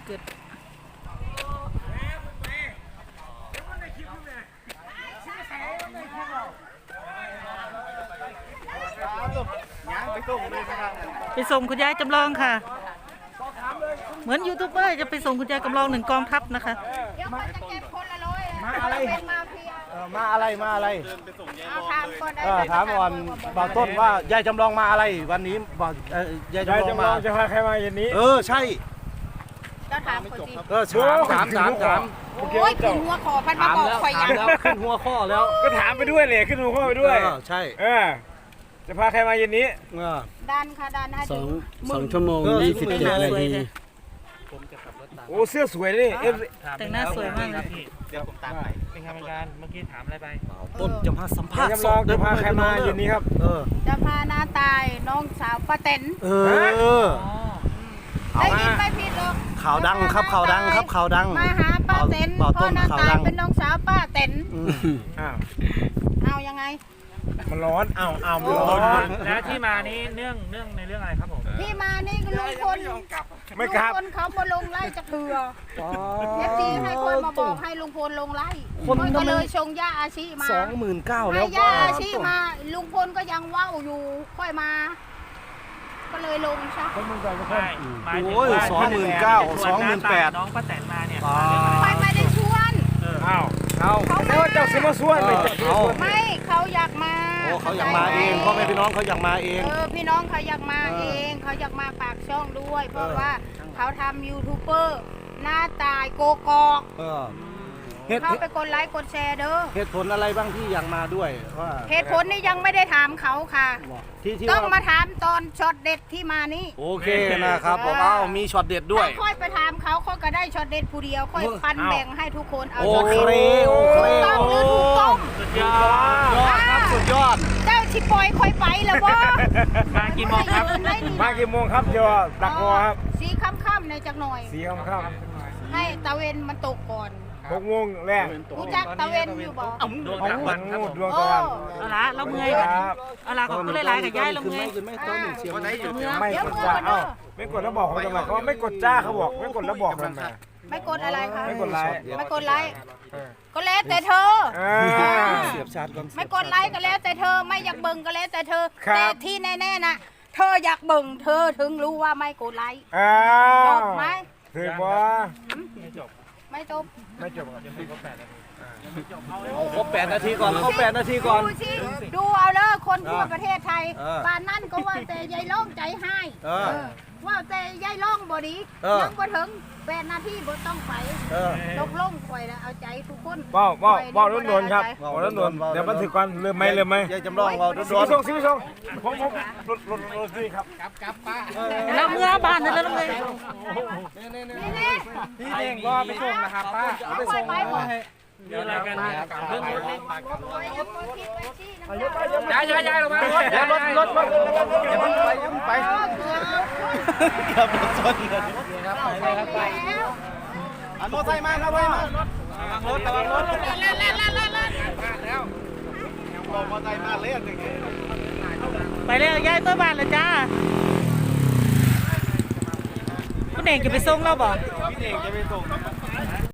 เกิดไปส่งคุณยายจำลองค่ะเหมือนยูทูบเบอร์จะไปส่งคุณยายจำลอง1 กองทัพนะคะเดี๋ยวคนจะเก็บคนละร้อยมาอะไรเป็นมาเฟียมาอะไรมาอะไรเอาถามก่อนได้ถามก่อนบอกต้นว่ายายจำลองมาอะไรวันนี้บอกยายจำลองมาจะพาใครมาเย็นนี้ใช่ก็ถามคนสิถามโอ้ยขึ้นหัวคอพันมาบอกข่อยยังแล้วขึ้นหัวข้อแล้วก็ถามไปด้วยเลยขึ้นหัวข้อไปด้วยใช่จะพาใครมาเย็นนี้ดันค่ะดันให้ถึง 2 ชั่วโมง 27 นาทีโอ้เสื้อสวยเลยแต่งหน้าสวยมากนะเดี๋ยวผมตามไปเป็นกรรมการเมื่อกี้ถามอะไรไปต้นจะมาสัมภาษณ์จำลองจะพาใครมาเย็นนี้ครับจะพาน้าตายน้องสาวป้าเต็น ได้ยินไม่ผิดหรอกข่าวดังครับข่าวดังครับข่าวดังมาหาป้าเต็นบ่าวเพต้ราะนน้าข่าวตายดังเป็นน้องสาวป้าเต็น เอายังไงมันร้อนมันโอ้ร้อนแล้วที่มานี้เนื่องในเรื่องอะไรครับผมที่มานี่ก็ลุงพลไม่กลับลุงพลเขามาลงไล่จะเถื่อเอฟซีให้คนมาบอกให้ลุงพลลงไล่คนก็เลยชงย่าอาชีมา 29,000 แล้วให้ย่าอาชีมาลุงพลก็ยังว่าวอยู่ค่อยมา ก็เลยลงซะไม่หมายถึงโอ้ยว่า 29,000 น้องป้าแตนมาเนี่ยไปไม่ได้ชวนอ้าวเขาแล้วเจ้าซื้อมาส่วนไปไม่เขาอยากมาเขาอยากมาเองพ่อแม่พี่น้องเขาอยากมาเองพี่น้องเขาอยากมาเองเขาอยากมาปากช่องด้วย เพราะว่าเขาทำยูทูบเบอร์หน้าตายโกกอก เขาไปกดไลค์กดแชร์เด้อเหตุผลอะไรบ้างที่อยากมาด้วยว่าเหตุผลนี่ยังไม่ได้ถามเขาค่ะที่ต้องว่ามาถามตอนช็อตเด็ดที่มานี่โอเคนะครับบอกว่ามีช็อตเด็ดด้วยถ้าค่อยไปถามเขาก็ได้ช็อตเด็ดผู้เดียวค่อยปันแบ่งให้ทุกคนเอาโอช็อตเคเด็ดโอเคถูกต้องหรือถูกต้องสุดยอดครับสุดยอดเจ้าชิปอยค่อยไปแล้ววะมากี่โมงครับมากี่โมงครับเดี๋ยวดักรอครับสีค่ำๆในจักหน่อยสีค่ำให้ตะเวนมันตกก่อน 6 โมงแรกรู้จักตะเวนอยู่บ่ดวงตะวันครับผมดวงตะวันเอาละเราเมื่อยคกันรับเอาละก็เลยไล่กับยายเราเมื่อยไม่ต้นเสียงไม่อยู่ไม่กดจ้าไม่กดแล้วบอกเขาทำไมเขาไม่กดจ้าเขาบอกไม่กดแล้วบอกทำไมไม่กดอะไรคะไม่กดไลค์ไม่กดไลค์ก็แล้วแต่เธอเสียบชาร์จก่อนไม่กดไลค์ก็แล้วแต่เธอไม่อยากเบิ่งก็แล้วแต่เธอครับแต่ที่แน่ๆนะเธออยากเบิ่งเธอถึงรู้ว่าไม่กดไลค์จบไหมถือว่าไม่จบไม่จบเอาครบ8 นาทีก่อนเข้า8 นาทีก่อนดูสิดูเอาเลยคนทั่วประเทศไทยบ้านนั่นก็ว่าแต่ยายล่องใจให้ว่าแต่ยายล่องบ่ดียังบ่ถึง8 นาทีบ่ต้องไปตกลงคอยแล้วเอาใจทุกคนว้าวโดนครับว้าวโดนเดี๋ยวมันถือก่อนเริ่มไหมยายจำลองเราสิบส่งผมรถนี่ครับเราเมื่อบ้านนั่นแล้วเราเมื่อยนี่พี่เองก็ไปส่งนะครับป้าเอาไปไปหมดมีอะไรกันเนี่ยเรื่องรถนี่ย้ายลงมารถอย่าเพิ่งไปกับรถชนแล้วรถไฟมาครับรถระวังรถบอกมอไซค์มาเล่นอย่างเงี้ยไปเลยยายตัวบ้านเลยจ้าคุณเองจะไปส่งเราบ่พี่เองจะไปส่ง